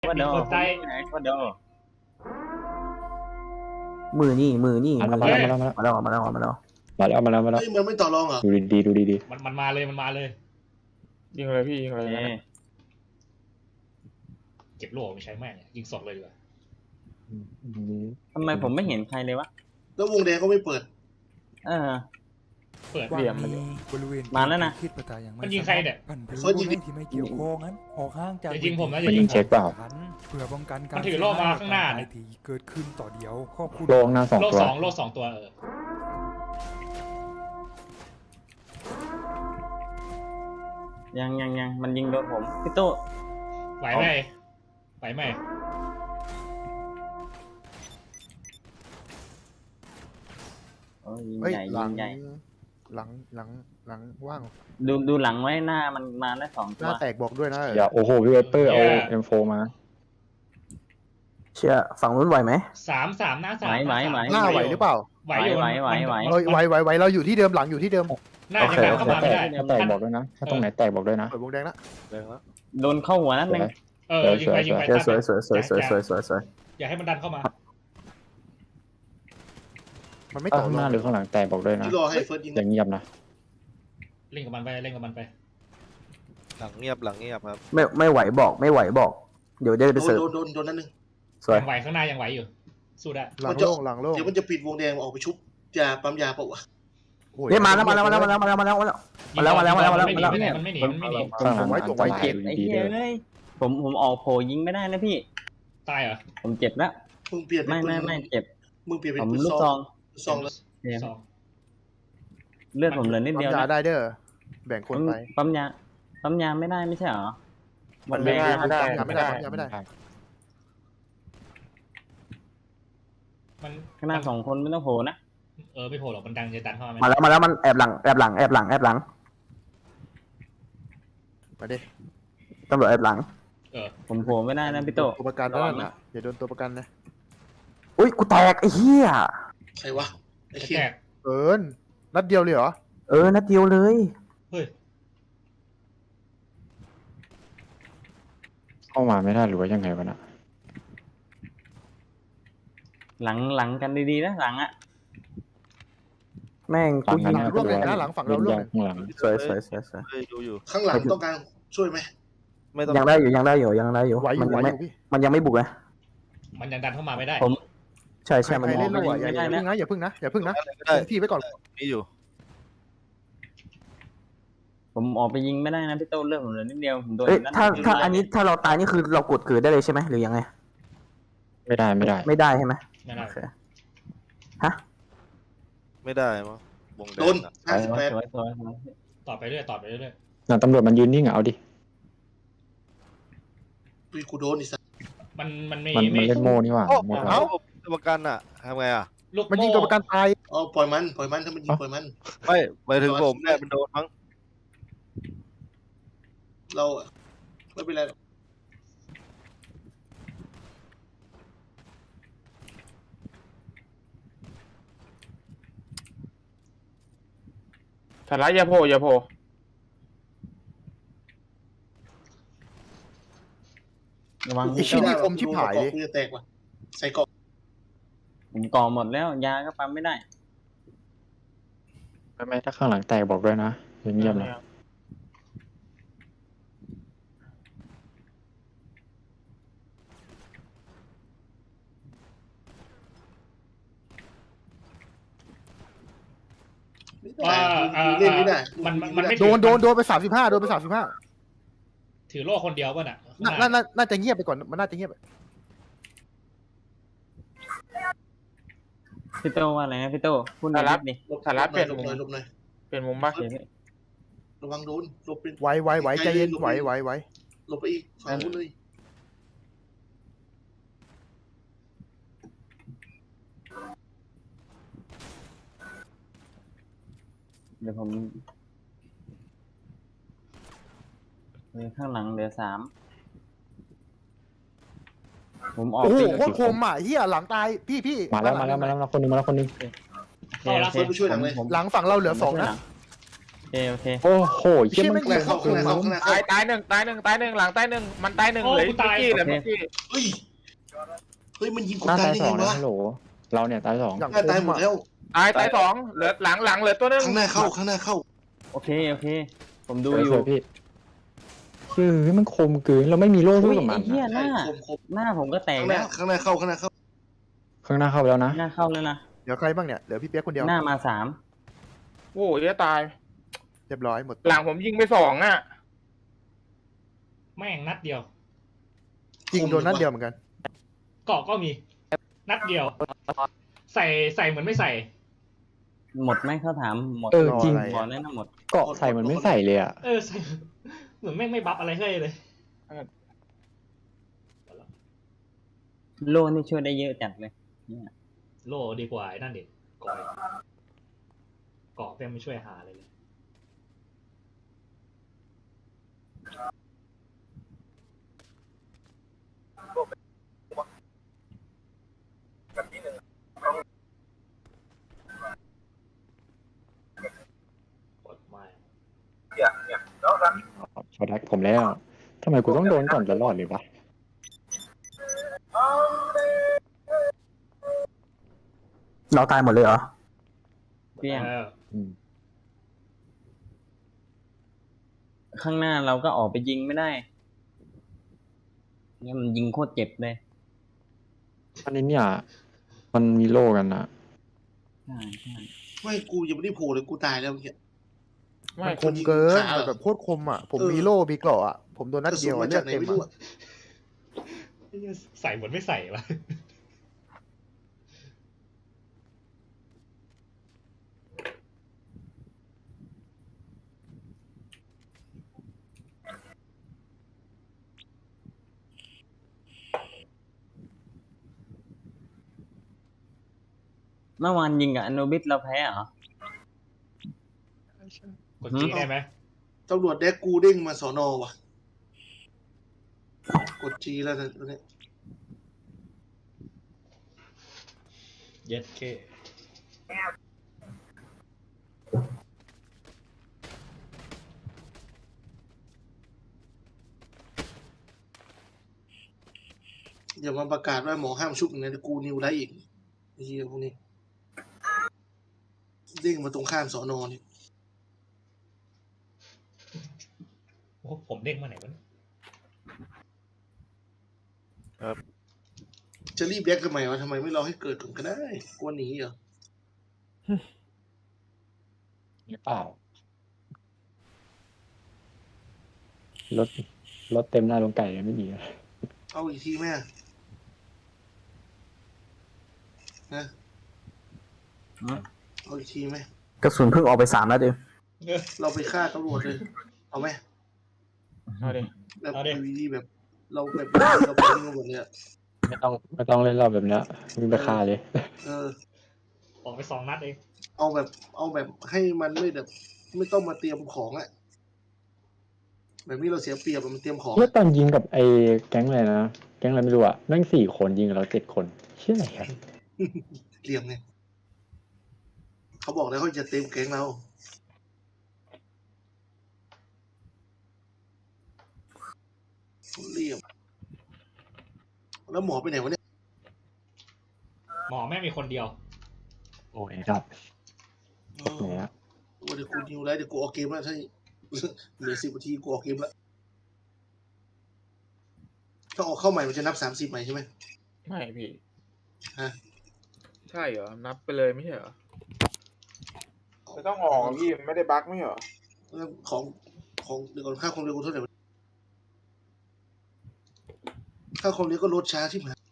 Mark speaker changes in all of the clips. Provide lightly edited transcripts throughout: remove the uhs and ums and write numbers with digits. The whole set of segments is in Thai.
Speaker 1: ว่า
Speaker 2: มี
Speaker 1: โด
Speaker 2: คนใต้
Speaker 1: ว่าโด
Speaker 3: มือนี่มือ
Speaker 4: มาแล้ว
Speaker 3: มา
Speaker 4: มา
Speaker 3: แล้ว
Speaker 4: แล้วมาแล้ว
Speaker 3: มาแล้วมาแล้ว
Speaker 4: มาแล้ว
Speaker 5: เฮ้ยมันไม่ต่อรองเหรอ
Speaker 4: ดูดีดูดี
Speaker 2: มันมาเลยมันมาเลย
Speaker 6: ยิงเลยพี่ยิงเลย
Speaker 1: เอ๊ะ
Speaker 2: เก็บโล่ไม่ใช้แม่งยิงสดเลยดีกว่า
Speaker 1: ทำไมผมไม่เห็นใครเลยวะ
Speaker 5: แล้ววงแดงก็ไม่เปิด
Speaker 1: เออ
Speaker 2: เปิด
Speaker 6: เหลี่ยมมัน
Speaker 7: บริเวณ
Speaker 1: มาแล้วนะ
Speaker 7: คิดประตาอย่าง
Speaker 2: มันยิงใครเนี่ย
Speaker 7: พันธุ์ผู้เล่นที่ไม่เกี่ยวข้องนั้นออกห่างจาก
Speaker 2: อย่ายิงผมนะอ
Speaker 4: มัน
Speaker 2: ย่ายิ
Speaker 4: ยิ
Speaker 2: ง
Speaker 4: งเช็คเปล่า
Speaker 7: เพื่อป้องกันการ
Speaker 2: มันถือโล่มาข้างหน้า
Speaker 7: เสียหยที่เกิดขึ้นต่อเดียวขอบคุณ
Speaker 4: โลงหน้าสอง
Speaker 2: โล่
Speaker 4: ตัว
Speaker 2: สองโล่สองตัว
Speaker 1: ยังมันยิงโดนผมพี่โต้
Speaker 2: ไหวไหมไหวไหม
Speaker 1: โอ้ยยิง
Speaker 8: เฮ้ย
Speaker 1: ใหญ่
Speaker 8: หลั
Speaker 1: ยิ
Speaker 8: ง
Speaker 1: งใหญ่
Speaker 8: หลังว่าง
Speaker 1: ดูหลังไว้หน้ามันมาแล้วสอง
Speaker 8: ห
Speaker 1: ตั
Speaker 8: น้าว แตกบอกด้วยนะ
Speaker 4: อย่าโอ้โหพี่เวเปอร์เอา M4 มา
Speaker 3: เชื่อฝั่งนู้นไหวไหม
Speaker 2: สามหน้าสาม
Speaker 1: ไหว
Speaker 8: หน้าไหวหรือเปล่า
Speaker 2: ไหวอยู่
Speaker 1: ไหว
Speaker 8: ไหวเราอยู่ที่เดิมหลังอยู่ที่เดิม
Speaker 2: หน้า
Speaker 4: โอ
Speaker 2: จะ
Speaker 4: เค
Speaker 2: ดัน
Speaker 4: โอ
Speaker 2: เข้า
Speaker 4: เค
Speaker 2: มาไม่ได้
Speaker 4: ถ้าแตกบอกด้วยนะถ้าตรงไหนแตกบอกด้วยนะ
Speaker 8: เปิดวงแดงละ
Speaker 1: โดนเข้าหัวนัดหนึง
Speaker 2: ยิงไปยิงไป
Speaker 3: เชื่อสวย
Speaker 2: อย่าให้มันดันเข้ามา
Speaker 8: มันไม่
Speaker 4: ถ้า
Speaker 8: ต่อ
Speaker 4: ข้าง
Speaker 8: ร
Speaker 4: ห
Speaker 8: อ
Speaker 4: น้าง หรือข้างหลังแตกบอกด้วยนะ
Speaker 5: ที่รอให้เฟิร์สยิง
Speaker 4: อย่างเงียบนะ
Speaker 2: เล่นกับมันไปเล่นกับมันไป
Speaker 9: หลังเงียบครับ
Speaker 3: ไม่ไหวบอกไม่ไหวบอก เดี๋ยวจะไปเสิร์ฟ
Speaker 5: โดนนั่นนึง
Speaker 3: สวย
Speaker 2: ยังไหวข้างหน้ายังไหวอยู่สู้ได้
Speaker 8: หลังโล่งหลังโล่ง
Speaker 5: เดี๋ยวมันจะปิดวงแดงออกไปชุบยาปั๊มยาเปล่าวะ
Speaker 3: เนี่ยมาแล้ว
Speaker 2: ยิงมันไม่หนีมันไม่หนี
Speaker 4: ข้างหลังอันตราย
Speaker 1: เจ็บ
Speaker 4: ดู
Speaker 1: ไอ้
Speaker 4: ดี
Speaker 1: เหี้
Speaker 4: ๆ
Speaker 1: ย
Speaker 4: ด้วย
Speaker 1: เอ้ยผมออกโผยิงไม่ได้นะพี่
Speaker 2: ตายเหรอ
Speaker 1: ผมเจ็บแล้ว
Speaker 5: มึงเปลี่ยนเป็น
Speaker 1: ไม่เจ็บ
Speaker 5: มึงเปลี่ยนเป็น
Speaker 1: ผม
Speaker 5: ปืน
Speaker 1: ลูก
Speaker 5: ซ
Speaker 1: ซ
Speaker 5: อ
Speaker 1: อง ง
Speaker 5: ซองแล้ว
Speaker 1: เนี่ย
Speaker 2: สอง
Speaker 1: เลือดผมเหลือนิด
Speaker 8: ปั๊
Speaker 1: เดี
Speaker 8: ม
Speaker 1: ยวย
Speaker 8: า
Speaker 1: นะ
Speaker 8: ได้เด้อแบ่งคนไป
Speaker 1: ปั๊มยาไม่ได้ไม่ใช่เหรอ
Speaker 6: มันไม่ได้
Speaker 8: ปั๊มยาไม่ได้ปั๊มยาไม่ได้
Speaker 2: มัน
Speaker 1: ข้างหน้าสองคนไม่ต้องโผล่นะ
Speaker 2: ไม่โผล่หรอกมันดังจะดันเข้ามา
Speaker 3: มาแล้วมันแอบหลัง
Speaker 8: มาดิ
Speaker 3: ตำรวจแอบหลัง
Speaker 1: ผมโผล่ไม่ได้นะพี่โต
Speaker 8: ตัวประกันนั่นน่ะอย่าโดนตัวประกันนะ
Speaker 3: อุ้ยกูแตกไอ้เหี้ย
Speaker 5: ใครวะไอ้
Speaker 2: จะ
Speaker 5: เคีย
Speaker 2: แตก
Speaker 8: เอิญนัดเดียวเลยเหรอ
Speaker 3: นัดเดียวเลย
Speaker 2: เฮ้ย
Speaker 4: เข้ามาไม่ได้หรือว่ายังไงวะนะ
Speaker 1: หลังกันดีๆนะหลังอ่ะ
Speaker 3: แม่งกูยิง
Speaker 8: ร่วงเลยนะหลังฝั่งเราร่วงเลย
Speaker 4: ข้างหลัง
Speaker 3: สวย
Speaker 9: เฮ้ยดูอยู่
Speaker 5: ข้างหลังต้องการช่วยไหม
Speaker 9: ไม่ต้อง
Speaker 3: ยังได้อยู่
Speaker 8: ไหวอยู่
Speaker 3: มัน
Speaker 8: ไหว
Speaker 3: ยัง
Speaker 8: อ
Speaker 3: ไม่
Speaker 8: ยู่พี่
Speaker 3: มันยังไม่บุกนะ
Speaker 2: มันยังดันเข้ามาไม่ได้
Speaker 3: ใช่
Speaker 8: ใคร
Speaker 3: มัน
Speaker 8: เล่น
Speaker 3: ม
Speaker 8: ลู
Speaker 3: อง
Speaker 8: กอย่าพึ่งนะอย่าพึ่งนะ
Speaker 9: ก็ได้
Speaker 8: ที่ไว้ก่อน
Speaker 9: มีอยู่
Speaker 1: ผมออกไปยิงไม่ได้นะพี่โตเลือดผมเหลือนิดเดียวผมโดน
Speaker 3: ถ้าอันนี้ถ้าเราตายนี่คือเรากดเกิดได้เลยใช่ไหมหรือยังไง
Speaker 4: ไม่ได้
Speaker 3: ไม่ได้ใช่ไหม
Speaker 2: ไม่ได้
Speaker 3: โอเคฮะ
Speaker 9: ไม่ได้มั้งวงแด
Speaker 5: โดน
Speaker 9: งอะ
Speaker 1: สวย
Speaker 2: ต่อไปเรื่อยต่อไปเรื่อย
Speaker 4: หลังตำรวจมันยืนนิ่งอะเอาดิ
Speaker 5: ปีกูโดนอีสัตว์
Speaker 2: มัน
Speaker 4: มันเล่นโม่นี่หว่า
Speaker 9: โอ้
Speaker 4: โม่
Speaker 9: เอ้าตัวประกันอะทำไงอะ
Speaker 2: ลูก
Speaker 8: มันยิงตัวประกันตาย
Speaker 5: อ๋อปล่อยมันถ้ามันยิงปล่อยมัน
Speaker 9: ไม่หมายถึงผมเนี่ยมันโดนมั้ง
Speaker 5: เราไม่เป็นไร
Speaker 6: สาระอย่าโผล่
Speaker 1: ระวัง
Speaker 8: ไอ้ชิ้นนี้คมชิบหายเลย
Speaker 5: กูจะแตกว่ะใส่เกาะ
Speaker 1: ผมก่อหมดแล้วยาก็ปั๊มไม่ได้
Speaker 4: ไม่ถ้าข้างหลังแตกบอกด้วยนะอย่างเงียบนะ
Speaker 5: เล่นไม่ได้
Speaker 2: มันไม่
Speaker 8: โดนไป35โดนไป35
Speaker 2: ถือโล่คนเดียวป่ะน่ะ
Speaker 8: น่าจะเงียบไปก่อนมันน่าจะเงียบ
Speaker 1: พี่โตว่าอะไรนะพี่โตพูดหน่
Speaker 6: สา
Speaker 1: อย
Speaker 6: ระ
Speaker 1: ดิ
Speaker 6: สาระเปลี่ยน
Speaker 5: หล
Speaker 6: มุ
Speaker 5: บ
Speaker 6: ม
Speaker 5: หน่อยหลบหน่อย
Speaker 6: เปลี่ยนมุมบ้าง
Speaker 5: ระวังโดนหลบเป็น
Speaker 8: ไหวใจเย็นไหว
Speaker 5: หลบไปอีกฝั่งนู้นเลย
Speaker 1: เดี๋ยวผมข้างหลังเหลือ3ผมออก
Speaker 8: โอ้โห
Speaker 1: ตี
Speaker 8: โคตรคมอ่ะเฮียหลังตายพี่
Speaker 4: มาแล้วคนนึง
Speaker 5: เฟิร์สไปช่วยหลังเลย
Speaker 1: ผม
Speaker 8: หลังฝั่งเราเหลือ2นะ
Speaker 1: โอเค
Speaker 4: โอ้โหเชี่ยมัน
Speaker 5: ข้างในเข้าข้างในเข้าข้างในเข้า
Speaker 6: ตายหนึ่งตายหนึ่งตายหนึ่งหลังตายหนึ่งมันตายหนึ่งเลยเมื่อกี้เลยเมื่อกี้
Speaker 5: เฮ้ยเฮ้ยมันยิงกู
Speaker 4: หน้า
Speaker 5: ตาย
Speaker 4: ตาย
Speaker 5: ได้
Speaker 4: ส
Speaker 5: ไง
Speaker 4: องนะ
Speaker 5: วะ
Speaker 4: ฮัลโหลเราเนี่ยตายสอง
Speaker 8: อย่าง
Speaker 5: หน้าตายหมดแล้ว
Speaker 6: ตายสองเหลือหลังเหลือตัวนึง
Speaker 5: ข้างหน้าเข้าข้างหน้าเข้า
Speaker 1: โอเคผมดู
Speaker 4: ดู
Speaker 1: อ
Speaker 4: อยู่ ยู่พี่คือมันคมเกินเราไม่มีโล่สู้กับมัน
Speaker 1: ไอ้เหี้ย
Speaker 4: อะ
Speaker 1: หน้า
Speaker 5: คม
Speaker 1: หน้าผมก็แตก
Speaker 5: ข้างหน้า
Speaker 1: แล้ว
Speaker 5: ข้างหน้าเข้าข้างหน้าเข้า
Speaker 4: ข้างหน้าเข้าไปแล้วนะ
Speaker 1: หน้าเข้าแล้วนะ
Speaker 8: เดี๋ยวใครบ้างเนี่ยเหลือพี่เปียกคนเดียว
Speaker 1: หน้ามา3
Speaker 6: โอ้ยจะตาย
Speaker 8: เรียบร้อยหมด
Speaker 6: หลังผมยิงไปสองอ่ะ
Speaker 2: แม่งนัดเดียว
Speaker 8: จริงโดนนัดเดียวเหมือนกัน
Speaker 2: เกาะก็มี นัดเดียว ใส่เหมือนไม่ใส่
Speaker 1: หมดไหมเขาถามหมด
Speaker 4: เออจริง
Speaker 1: บอกแน่นะหมด
Speaker 4: เกาะใส่มันไม่ใส่เลยอ่ะ
Speaker 2: ใส่เหมือนแม่งไม่บัฟอะไรให้เลย
Speaker 1: โลนี่ช่วยได้เยอะจัดเลยเนี่ย
Speaker 2: โลดีกว่าไอ้นั่นเด็กเกาะเกาะแม่งไม่ช่วยหาอะไรเลย กดไม่
Speaker 4: ชอตแรกผมแล้วทำไมกูต้องโดนก่อนตลอดเลยวะ
Speaker 3: เราตายหมดเลยเหรอ
Speaker 1: เปี้ยง
Speaker 4: อืม
Speaker 1: ข้างหน้าเราก็ออกไปยิงไม่ได้เนี่ยมันยิงโคตรเจ็บเลย
Speaker 4: อันนี้เนี่ยมันมีโล่กันนะ
Speaker 1: ใช่
Speaker 5: ไม่กูยังไม่ได้โผล่เลยกูตายแล้วเมื่อกี้
Speaker 6: ไม่
Speaker 8: มันคมเกิน
Speaker 5: ขา
Speaker 8: แบบโคตรคมอ่ะผมมีโล่มีเกราะอ่ะผมโดนนัด
Speaker 5: กระสุ
Speaker 8: เดี
Speaker 5: น
Speaker 8: ยว
Speaker 5: มา
Speaker 8: อะเลื
Speaker 5: จา
Speaker 8: อก ด
Speaker 5: ไหน
Speaker 8: เต็ม
Speaker 5: ไม่รู้
Speaker 8: อะ
Speaker 5: อะ
Speaker 2: ใส่เหมือนไม่ใส่วะ
Speaker 1: เมื่อวานยิงกับอโนบิสเราแพ้เหรอ
Speaker 2: กดจีได้ไหม
Speaker 5: ตำรวจแดกกูเด้งมาสอนอว่ะกดจีแล้วนะตอนนี้
Speaker 2: เย็ดเค
Speaker 5: อย่ามาประกาศว่าหมอห้ามชุบอย่างนั้นกูนิวได้อีกไอ้เหี้ยพวกนี้เด้งมาตรงข้ามสอนอนี่
Speaker 2: โอ้ผมเด้งมาไหนวะเนี่ย
Speaker 5: จะรีบแดกทำไมวะทำไมไม่รอให้เกิดก่อนก็ได้กลัวหนีเหรอ
Speaker 4: หรือเปล่ารถเต็มหน้าลงไก่เลยไม่ดีอะ
Speaker 5: เอาอีกทีแม่นะ
Speaker 1: ฮะ
Speaker 5: เอาอีกทีไหม
Speaker 3: กระสุนเพิ่งออกไป3นัดเอง
Speaker 5: เราไปฆ่าตำรวจเลยเอาไหม
Speaker 6: เอาดิ
Speaker 5: แบบวีแบบ เราแบบเราไปตำรวจเลยอะ
Speaker 4: ไม่ต้องเล่นรอบแบบเนี้ยวิ่งไปฆ่าเลย
Speaker 5: เออ
Speaker 2: ออกไป2 นัดเอง
Speaker 5: เอาแบบให้มันไม่แบบ ไม่ต้องมาเตรียมของอะแบบนี้เราเสียเปรียบอะมันเตรียมของ
Speaker 4: เมื่อตอนยิงกับไอ้แก๊งอะไรนะแก๊งอะไรไม่รู้อ่ะนั่ง4 คนยิงกับเรา7 คนเชื่ออะไรครับ
Speaker 5: เหลี่ยมไงเขาบอกแล้วเขาจะเต็มแก๊งเราเหลี่ยมแล้วหมอไปไหนวะเนี่ย
Speaker 2: หมอแม่งมีคนเดียว
Speaker 4: โอ้ยครับตกไหนอะ
Speaker 5: วันนี้กูนิวแล้วเดี๋ยวกูออกเกมแล้วถ้าเหลือ10 นาทีกูออกเกมแล้วถ้าออกเข้าใหม่มันจะนับ30ใหม่ใช่ไหม
Speaker 6: ไม่พี่
Speaker 5: ฮะ
Speaker 6: ใช่เหรอนับไปเลยไม่ใช่เหรอไม่ต้องออกพี่ไม่ได้บั๊กไม่เหรอ
Speaker 5: แล้วของเดี๋ยวก่อนค่าความเร็วกูเท่าไหร่วะค่าความเร็วก็ลดช้าที่หาย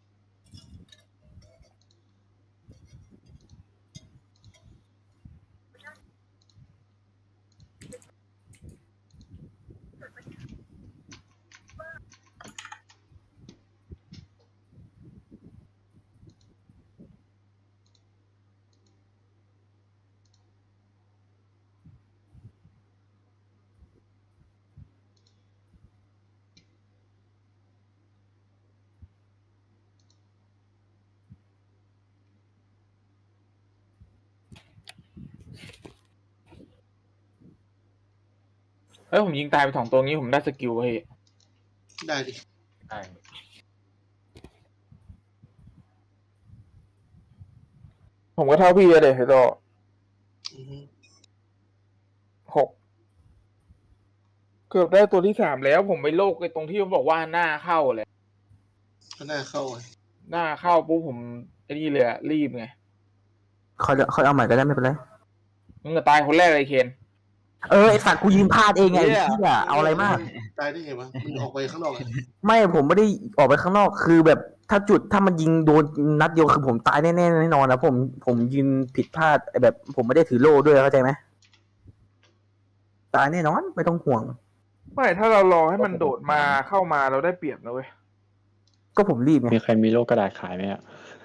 Speaker 6: ผมยิงตายไป2 ตัวงี้ผมได้สกิลเฮ้ย
Speaker 5: ได้ดิ
Speaker 6: ได้ผมก็เท่าพี่เลยพี่โต
Speaker 5: อือฮึ
Speaker 6: 6เกือบได้ตัวที่3แล้วผมไปโลกไอ้ตรงที่มันบอกว่าหน้าเข้าเลย
Speaker 5: ก็น่าเข้าอ่ะ
Speaker 6: หน้าเข้าปุ๊บผมไอ้นี่เลยอะรีบไง
Speaker 3: ค่อยเอาใหม่ก็ได้ไม่เป็นไร
Speaker 6: มึงก็ตายคนแรกเลยเคน
Speaker 3: ไอสัตว์กูยืนพลาดเองไงไอ้เหี้ยเอาอะไรมาก
Speaker 5: ตายได้ไงวะมันออกไปข้างนอกอ่ะ
Speaker 3: ไม่ผมไม่ได้ออกไปข้างนอกคือแบบถ้ามันยิงโดนนัดเดียวคือผมตายแน่ๆแน่นอนนะผมยืนผิดพลาดแบบ ผมไม่ได้ถือโล่ด้วยเข้าใจไหมตายแน่นอนไม่ต้องห่วง
Speaker 6: ไม่ถ้าเรารอให้มันโดดมาเข้ามาเราได้เปรียบนะเว้ย
Speaker 3: ก็ผมรีบไง
Speaker 4: มีใครมีโลกกระดาษขายไหมอ่ะ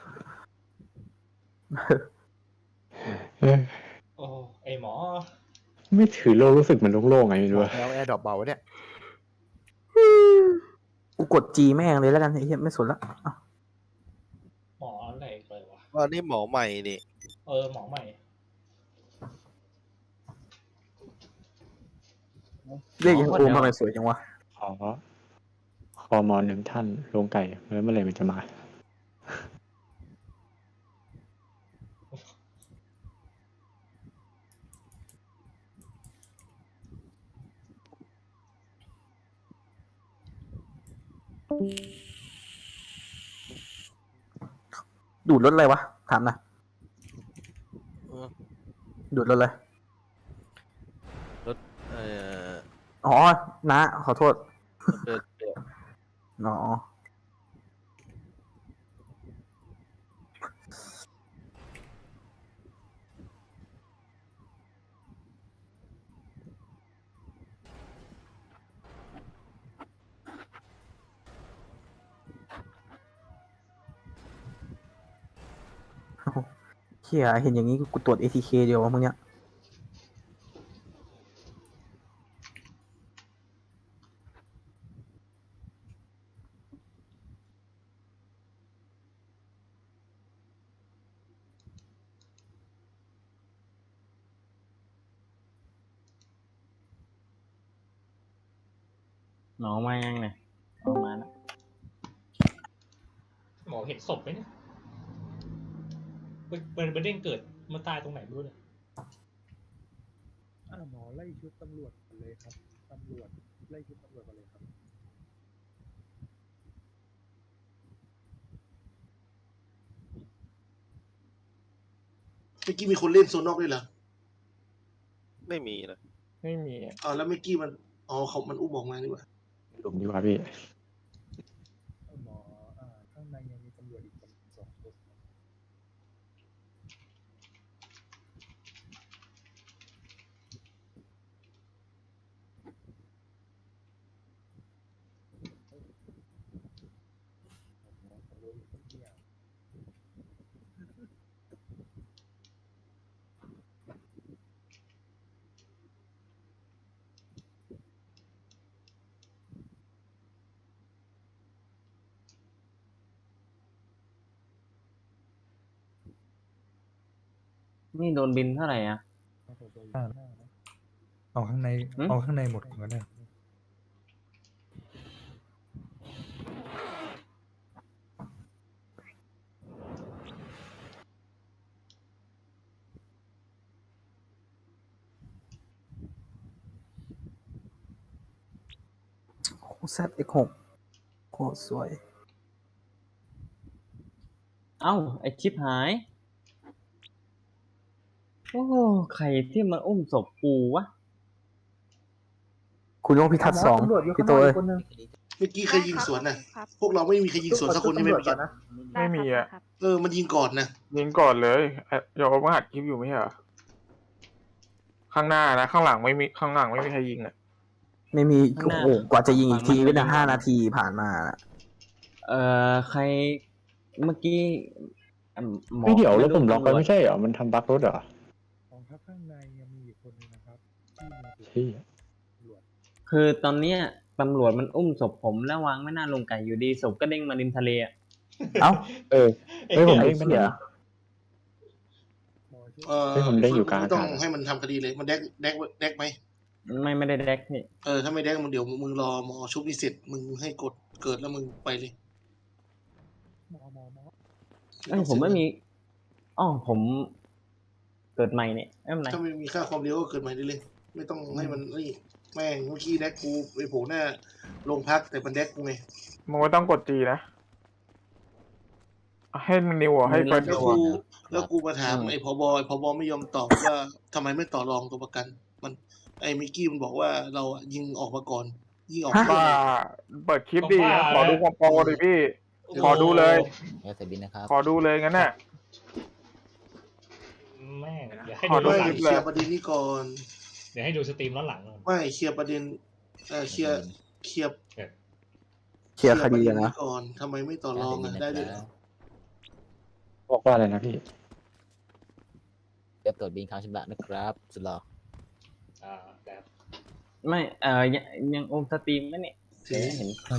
Speaker 2: โอ้ไอหมอ
Speaker 4: ไม่ถือโลกรู้สึกมันโล่งๆไงไม่รู้อะ
Speaker 8: แล้วแอร์ดรอปเบาเนี่ย
Speaker 3: กูกดจีแม่งเลยแล้วกันไอ้เหี้ยไม่สนละอ่ะ
Speaker 2: หมออะไรเลยวะ
Speaker 9: ว่านี่หมอใหม่นี่
Speaker 2: หมอใหม่
Speaker 3: เรียกยังโอมทำไมสวยจังวะ
Speaker 4: ขอมอ1 ท่านลงไก่เมื่อไหร่มันจะมา
Speaker 3: ดูดรถอะไรวะถามหนะ
Speaker 9: เออ
Speaker 3: ดูดรถอะไร
Speaker 9: เออ
Speaker 3: อ๋อนะขอโทษ
Speaker 9: เดินเดี๋ยว
Speaker 3: อ๋อเฮียเห็นอย่างนี้กูตรวจ ATK เดียววะมึงเนี่ย
Speaker 1: หมอมายังเนี่ยออกมาแล้ว
Speaker 2: หมอเห็นศพไหมเนี่ยเป็นเด้งเกิดมันตายตรงไหนไม่รู้เลย
Speaker 7: หมอไล่ชุดตำรวจเลยครับตำรวจไล่ชุดตำรวจมาเลยครับ
Speaker 5: เมื่อกี้มีคนเล่นโซนนอกด้วยเหรอ
Speaker 9: ไม่มีนะ
Speaker 6: ไม่มีอะ
Speaker 5: แล้วเมื่อกี้มันมันอุ้มออกมานี่หว่า
Speaker 4: หลุมดีกว่าพี่
Speaker 7: หมอข้างในยังมีตำรวจอีก2 คน
Speaker 1: นี่โดนบินเท่าไหร่อ่ะ
Speaker 7: เอาข้างใน
Speaker 1: หืม
Speaker 7: เอาข้างในหมดก่อนก็ได้
Speaker 3: โอ้แซดX6โคตรสวย
Speaker 1: เอ้าไอชิปหาย โอ้ใครที่มันอุ้มศพกูวะ
Speaker 3: คุณต้องพิทักษ์2พี่โตเอ้ย
Speaker 5: เมื่อกี้ใครยิงสวนน่ะ พวกเราไม่มีใครยิงสวนสักคนใช่ไหมเมื่อกี้
Speaker 6: ไม่มีอะ
Speaker 5: มันยิงก่อนนะ
Speaker 6: ยิงก่อนเลยเดี๋ยวมาหัดคลิปอยู่ไม่ใช่เหรอข้างหน้านะข้างหลังไม่มีข้างหลังไม่มีใครยิงอะ
Speaker 3: ไม่มีโอ้โหกว่าจะยิงอีกทีก็จะ5 นาทีผ่านมา
Speaker 1: ใครเมื่อกี้หมอ
Speaker 4: ไม่เดี๋ยวแล้วผมล็อกไว้
Speaker 1: ตำรวจ
Speaker 4: ไม่ใช่เหรอ มันทำบั๊กรถเหรอ
Speaker 7: ของครับข้างในยังมีอีกคนนึงนะครับที่มี
Speaker 4: ที่
Speaker 7: ตำรวจ
Speaker 1: คือตอนเนี้ยตำรวจมันอุ้มศพผมแล้ววางไม่น่าลงไก่อยู่ดีศพก็เด้งมาริมทะเลอะ
Speaker 3: เอ้า
Speaker 4: เฮ้ยผมเด้ง
Speaker 3: ไอ้
Speaker 4: มัน
Speaker 3: เหี้ย
Speaker 7: หมอช่วย
Speaker 4: เฮ้ยผมเด้งอยู่กลาง
Speaker 5: ไม่ต้อง
Speaker 4: อากาศ
Speaker 5: ให้มันทำคดีเลย มันแดกไหม
Speaker 1: ไม่ได้แดกนี่
Speaker 5: ถ้าไม่ได้มึงเดี๋ยวมึงรอหมอชุบนี่เสร็จมึงให้กดเกิดแล้วมึงไปเลย
Speaker 7: หมอ
Speaker 1: เอ้ยผมไม่มีอ๋อผมเกิดใหม่เนี่ยไม่เป็นไร
Speaker 5: ถ้าไม่มีค่าความเร็วก็เกิดใหม่ได้เลย ไม่ต้องให้มันนี่แม่งเมื่อกี้แดกกูไปโผล่หน้าโรงพักแต่มันแดกกูไง
Speaker 6: มึงไม่ต้องกดจีนะให้นิวอ่ะให้เฟิร์ส
Speaker 5: แล้ว
Speaker 6: ดู
Speaker 5: กู
Speaker 6: อ่ะ
Speaker 5: แล้วกูมาถามไอ้พบไม่ยอมตอบว่าทำไมไม่ต่อรองตัวประกัน มันไอ้มิกกี้มันบอกว่าเราอะยิงออกมาก่อน ยิงออก
Speaker 6: บ้าเปิดคลิปดีนะขอดูความโปรดิพี่ ขอดูเลย
Speaker 10: เสร็จบินนะครับ
Speaker 6: ขอดูเลยงั้นน่ะ
Speaker 2: แม่งเดี๋ยวให้
Speaker 6: ขอ
Speaker 2: ดู
Speaker 6: ด้
Speaker 2: ย้
Speaker 6: ว
Speaker 2: อย นหลัง
Speaker 5: เคลียร์ประเด็นนี้ก่อน
Speaker 2: เดี๋ยวให้ดูสตรีมย้อนหลัง
Speaker 5: ไม่เคลียร์ประเด็นเคลียร์
Speaker 3: เคลียร์คดีอะนะ
Speaker 5: ก่อนทำไมไม่ต่อรองได้ด้วย
Speaker 4: บอกว่าอะไรนะพี่
Speaker 10: เรียบตรวจบินค้างชำระนะครับ สุดหล่อ
Speaker 2: แบบ
Speaker 1: ไม่ยังโอมสตรีมไหมเนี่ย
Speaker 5: เสีย
Speaker 1: เห็น